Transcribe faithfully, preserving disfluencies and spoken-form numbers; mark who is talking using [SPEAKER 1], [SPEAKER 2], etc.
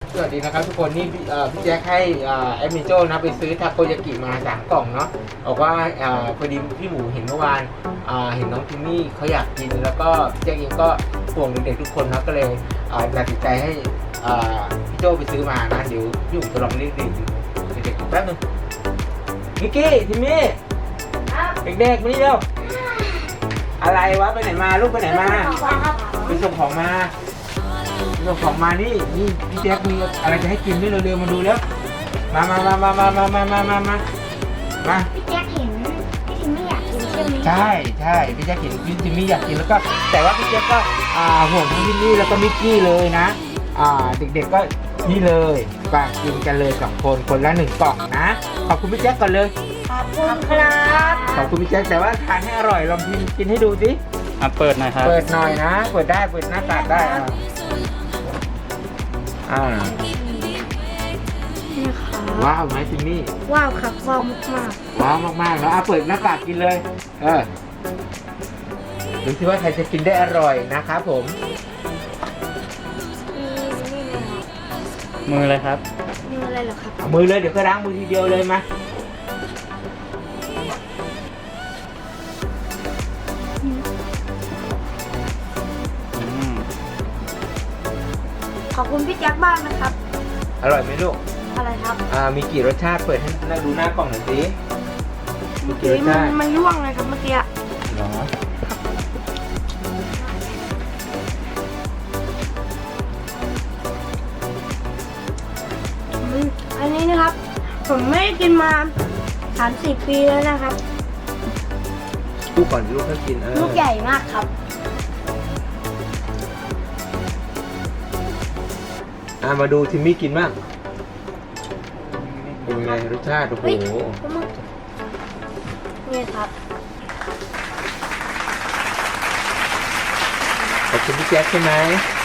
[SPEAKER 1] สวัสดีนะครับทุกคนนี่พี่เอ่อพี่แจ็คให้เอ่อแอดมินโจนะไปซื้อทาโกยากิมาสามกล่องเนาะบอกว่าเอ่อพอดีพี่หมูเห็นเมื่อวานอ่าเห็นน้องทิมมี่เขาอยากกินแล้วก็พี่แจ็คเองก็ห่วงเด็กๆทุกคนนะก็เลยเอ่อตัดสินใจให้เอ่อพี่โจไปซื้อมานะเดี๋ยวพี่หมูจะลองเรียกเด็กๆเด็กๆแป๊บนึงมิกกี้ทิมมี่เด็กๆมานี่เร็วอะไรวะไปไหนมาลูกไปไหนมาไปส่งของมาส่งของมานี่นี่พี่แจ๊คมีอะไรจะให้กินด้วยเร็วๆมาดูแล้วมามามามามามามามามามามา
[SPEAKER 2] พี่แจ๊คเห็นพี่ทิมไม่อยากกินใช่ไหม
[SPEAKER 1] ใช่ใช่พี่แจ๊คเห็นพี่จิมมี่อยากกินแล้วก็แต่ว่าพี่แจ๊คก็อ่าห่วงทั้งพี่นี่แล้วก็มิกกี้เลยนะอ่าเด็กๆก็นี่เลยฝากกินกันเลยสองคนคนละหนึ่งกล่องนะขอบคุณพี่แจ๊คก่อนเลย
[SPEAKER 2] ขอบคุณครับ
[SPEAKER 1] ขอบคุณพี่แจ๊คแต่ว่าทานให้อร่อยลองกินกินให้ดูสิ
[SPEAKER 3] อ่ะเปิดหน่อยครับ
[SPEAKER 1] เปิดหน่อยนะเปิดได้เปิดหน้ากากได้อ่าอ่า
[SPEAKER 2] นี่ค่ะ
[SPEAKER 1] ว้าวไหมจิมมี่
[SPEAKER 2] ว้าวครับว้าวมาก
[SPEAKER 1] ว้าวมากๆแล้วอ่ะเปิดหน้ากากกินเลยเออดูสิว่าใครจะกินได้อร่อยนะครับผม
[SPEAKER 2] ๆนี่นี่เลยครับ
[SPEAKER 3] มืออะไรครับ
[SPEAKER 2] นี่อะไรเหรอครับ
[SPEAKER 1] เอามือเลยเดี๋ยวก็ล้างมือทีเดียวเลยมา
[SPEAKER 3] อืม
[SPEAKER 2] ขอบคุณพี่แจ๊คบ้างนะครับ
[SPEAKER 1] อร่อยไหมลูก
[SPEAKER 2] อะไรครับ
[SPEAKER 1] อ่ามีกี่รสชาติเปิดให้เราดูหน้ากล่องหน่อยสิมี
[SPEAKER 2] เมื่อ
[SPEAKER 1] กี่
[SPEAKER 2] กี้
[SPEAKER 1] รส
[SPEAKER 2] มั
[SPEAKER 1] ชาน ติ
[SPEAKER 2] มันร่วงเลยครับเมื่อกี้
[SPEAKER 1] เหรอ
[SPEAKER 2] อืมอันนี้นะครับ ผมไม่ได้กินมาสามสี่ปีแล้วนะครับ
[SPEAKER 1] ลูกก่อนลูกให้กินเออ
[SPEAKER 2] ลูกใหญ่มากครับ
[SPEAKER 1] อ่ามาดูทิมมี่กินบ้างเป็นไงรสชาติโอ้โห
[SPEAKER 2] เฮ้ยนี่ครับ
[SPEAKER 1] ขอบคุณพี่แจ๊คใช่ไหม